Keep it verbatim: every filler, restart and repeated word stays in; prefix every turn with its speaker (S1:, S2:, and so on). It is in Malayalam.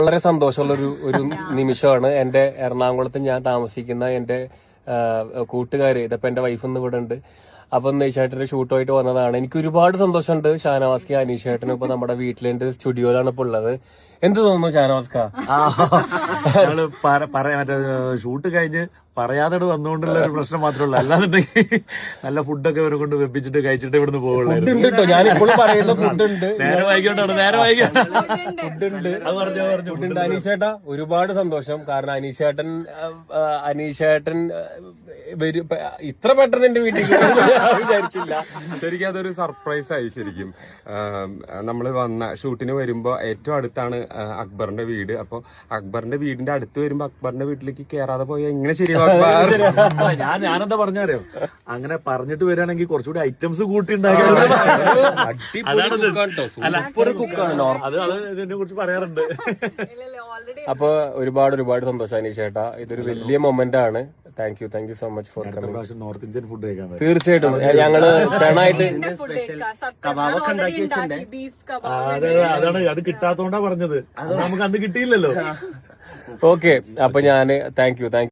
S1: വളരെ സന്തോഷമുള്ള ഒരു ഒരു നിമിഷമാണ്. എന്റെ എറണാകുളത്ത് ഞാൻ താമസിക്കുന്ന എന്റെ കൂട്ടുകാര്, ഇതിപ്പോ എന്റെ വൈഫ് ഇന്ന് ഇവിടെ ഉണ്ട്. അപ്പൊ നെയ്ഷേട്ടന്റെ ഷൂട്ടുമായിട്ട് വന്നതാണ്. എനിക്ക് ഒരുപാട് സന്തോഷമുണ്ട്. ഷാനവാസ്ക അനീഷേട്ടനും ഇപ്പൊ നമ്മുടെ വീട്ടിലെന്റെ സ്റ്റുഡിയോയിലാണ് ഇപ്പൊ ഉള്ളത്. എന്ത് തോന്നുന്നു ഷാനവാസ്ക?
S2: പറയാ മറ്റേ ഷൂട്ട് കഴിഞ്ഞ് പറയാതെ വന്നുകൊണ്ടുള്ള ഒരു പ്രശ്നം മാത്രമേ ഉള്ളൂ. അല്ലാന്നുണ്ടെങ്കിൽ നല്ല ഫുഡൊക്കെ ഇവരെ കൊണ്ട് വെപ്പിച്ചിട്ട് കഴിച്ചിട്ട് ഇവിടുന്ന് പോകുള്ളൂ.
S1: ഞാനിപ്പോഴും പറയുന്ന ഫുഡ് ഉണ്ട്.
S2: നേരെ വൈകിട്ടാണ് നേരെ വൈകിട്ട്
S1: ഫുഡ് ഉണ്ട്. അത് പറഞ്ഞു പറഞ്ഞു അനീഷേട്ടാ ഒരുപാട് സന്തോഷം. കാരണം അനീഷേട്ടൻ അനീഷേട്ടൻ ഇത്ര പെട്ടെന്ന് എന്റെ വീട്ടിൽ വിചാരിച്ചില്ല.
S3: ശരിക്കും അതൊരു സർപ്രൈസ് ആയി. ശരിക്കും നമ്മൾ വന്ന ഷൂട്ടിന് വരുമ്പോ ഏറ്റവും അടുത്താണ് അക്ബറിന്റെ വീട്. അപ്പൊ അക്ബറിന്റെ വീടിന്റെ അടുത്ത് വരുമ്പോ അക്ബറിന്റെ വീട്ടിലേക്ക് കേറാതെ പോയാൽ ഇങ്ങനെ ശരിയാവും.
S2: ഞാൻ ഞാനെന്താ പറഞ്ഞാരോ, അങ്ങനെ പറഞ്ഞിട്ട് വരികയാണെങ്കിൽ കുറച്ചുകൂടി ഐറ്റംസ് കൂട്ടി അതിനെ കുറിച്ച് പറയാറുണ്ട്.
S1: അപ്പൊ ഒരുപാട് ഒരുപാട് സന്തോഷം അനീഷേട്ടാ. ഇതൊരു വലിയ മൊമെന്റ് ആണ്. Thank you thank you so much for coming.
S2: North Indian food കഴിക്കാൻ
S1: തീർച്ചയായിട്ടും ഞങ്ങള് ക്ഷണമായിട്ട്
S2: അതെ അതാണ് അത് കിട്ടാത്തോണ്ടാ പറഞ്ഞത്. നമുക്ക് അന്ന് കിട്ടിയില്ലല്ലോ.
S1: ഓക്കെ, അപ്പൊ ഞാന് താങ്ക് യു താങ്ക് യു